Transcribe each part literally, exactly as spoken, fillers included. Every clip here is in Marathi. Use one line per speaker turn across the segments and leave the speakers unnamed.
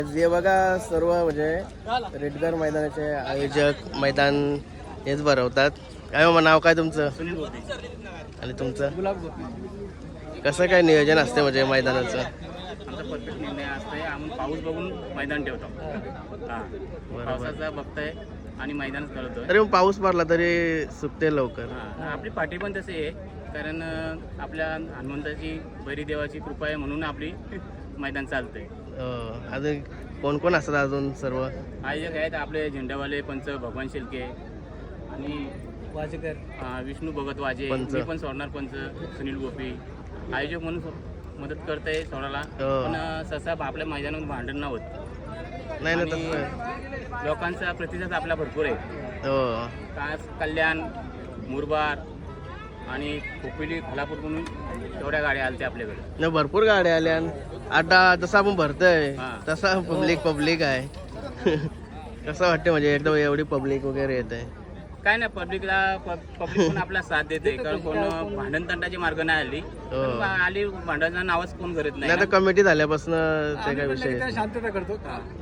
हे बघा सर्व म्हणजे रेडगर मैदानाचे आयोजक मैदान हेच भरवतात. काय मग नाव काय तुमचं?
सुनील बोलते.
आणि तुमचं? कसं काय नियोजन असते म्हणजे मैदानाचं?
आमचा परफेक्ट निर्णय असतंय. आम्ही पाऊस बघून मैदान ठेवतो. हां, पावसाचा बघताय आणि मैदान करतोय.
तरी मग पाऊस पडला तरी सुकते लवकर.
हां, आपली पाठी पण तशी आहे, कारण आपल्या हनुमंताची बैरी देवाची कृपा आहे म्हणून आपली मैदान चालतंय.
अजून कोण कोण असतात अजून सर्व
आयोजक आहेत आपले झेंडावाले पंच भगवान शिल्के आणि वाजेकर, विष्णू भगत वाजे, मी पण सोडणार पंच सुनील गोपी. आयोजक म्हणून मदत करताय सोडायला, पण सहसा आपल्या मैदानात भांडण न होत
नाही ना. तसं
लोकांचा प्रतिसाद आपला भरपूर आहे. कास कल्याण, मुरबाड आणि खोपिली, खालापूर म्हणून तेवढ्या गाड्या आल्या आपल्याकडे.
नाही, भरपूर गाड्या आल्या. आता जसं आपण भरतोय तसा पब्लिक पब्लिक आहे. कसं वाटतं म्हणजे एकदम एवढी पब्लिक वगैरे येत आहे?
काय नाही, पब्लिकला पब्लिक पण आपला साथ देते, कारण कोण भांडण तंटाची मार्ग नाही आली. पण आली भांडणाचं नावच कोण करत नाही.
आता कमिटी झाल्यापासून ते काय विषय
शांतता करतो.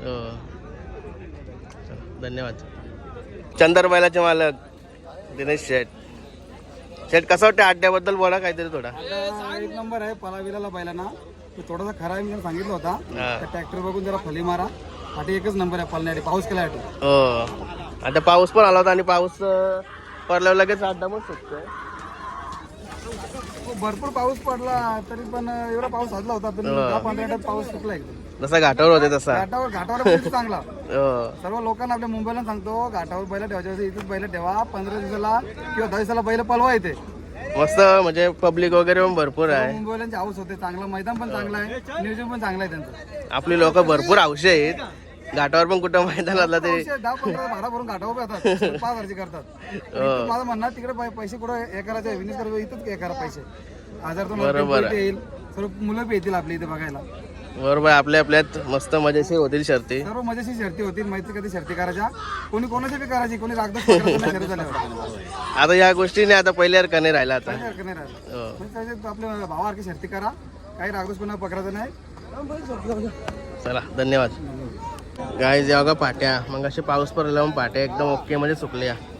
धन्यवाद. चंदरबायलाचे मालक दिनेश शेठ. शेठ कसं वाटतं अड्ड्याबद्दल बोला काहीतरी थोडा.
एक नंबर आहे पलाविला बैलांना. थोडासा खरा आहे मी सांगितलं होता. ट्रॅक्टर बघून जरा फली मारा. आता एकच नंबर आहे पळण्यासाठी. पाऊस केला
हो, आता पाऊस पण आला होता आणि पाऊस पडल्यावर लगेच अड्डा पण सुकतोय.
भरपूर पाऊस पडला तरी पण एवढा पाऊस साजला होता, पण दहा पंधरा मिनिटात पाऊस सुकला एकदम.
जसा घाटावर होते तसा.
घाटावर घाटावर बैल चांगला. सर्व लोकांना आपल्या मुंबईला सांगतो, घाटावर बैल ठेवायचे इथेच बैल ठेवा. पंधरा दिवसाला किंवा दहा दिवसाला बैल पळवा येते.
मस्त म्हणजे पब्लिक वगैरे पण भरपूर आहे.
मुंबईलांची हाऊस होते. चांगलं मैदान पण चांगलं आहे, नियोजन पण चांगलं आहे त्यांचं.
आपली लोक भरपूर हौशी आहेत. घाटावर पण कुठं मैदान असला तरी
दहा पंधरा भाडा भरून घाटावर येतात, पाच हजारची करतात. माझं म्हणणं तिकडे पैसे कुठं हे करायचे, विनिस कर इथंच हे करा पैसे. हजार दोन हजार येईल, सर्व मुलं बी येतील आपल्या इथे बघायला.
बरोबर, आपल्या आपल्यात मस्त मजेशीर होतील शर्ती.
सर्व मजेशीर शर्ती होतील. माहिती कधी शर्ती करायच्या, कोणी कोणाची बी करायची, कोणी रागदच शर्ती झाल्यावर.
आता या गोष्टीने आता पहिल्यासारखं नाही राहिला. आता
नाही राहिलं. आपल्या भावासारखी शर्ती करा, काही रागदोष कोणा पकडायचं नाही.
चला, धन्यवाद. गाईज बघा पाट्या मग असे पाऊस पडला पाट्या एकदम ओके म्हणजे सुकल्या.